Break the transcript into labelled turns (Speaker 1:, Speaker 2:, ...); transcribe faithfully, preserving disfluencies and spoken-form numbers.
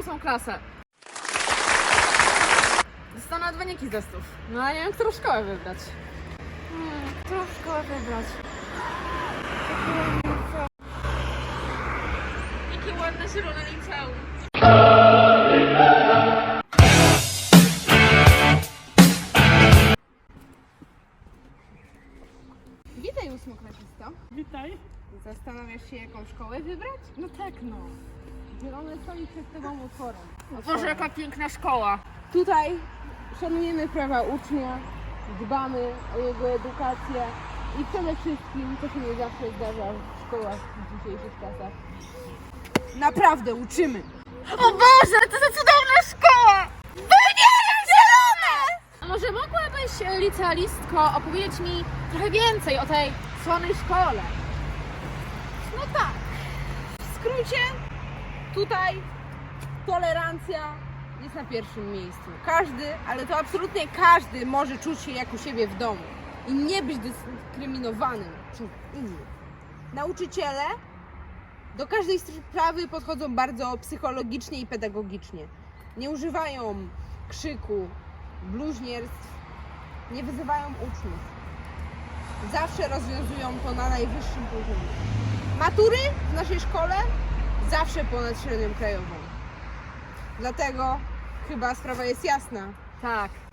Speaker 1: ósmą klasę. Dostanę wyniki z testów. No a nie wiem, którą szkołę wybrać.
Speaker 2: Hmm, którą szkołę wybrać?
Speaker 1: Jakie ładne zielone liceum.
Speaker 2: Witaj, ósmoklasista.
Speaker 1: Witaj.
Speaker 2: Zastanawiasz się, jaką szkołę wybrać?
Speaker 1: No tak, no.
Speaker 2: Zielone stoi przed tobą otworem.
Speaker 1: Boże, jaka piękna szkoła.
Speaker 2: Tutaj szanujemy prawa ucznia, dbamy o jego edukację i przede wszystkim, co się nie zawsze zdarza w szkołach w dzisiejszych czasach, naprawdę uczymy.
Speaker 1: O Boże, to za cudowna szkoła! Wybieram zielone! A może mogłabyś, e, licealistko, opowiedzieć mi trochę więcej o tej słonej szkole?
Speaker 2: No tak, w skrócie, tutaj tolerancja jest na pierwszym miejscu. Każdy, ale to absolutnie każdy może czuć się jak u siebie w domu i nie być dyskryminowanym przez innych. Nauczyciele do każdej sprawy podchodzą bardzo psychologicznie i pedagogicznie. Nie używają krzyku, bluźnierstw, nie wyzywają uczniów. Zawsze rozwiązują to na najwyższym poziomie. Matury w naszej szkole zawsze ponad średnią krajową. Dlatego chyba sprawa jest jasna.
Speaker 1: Tak,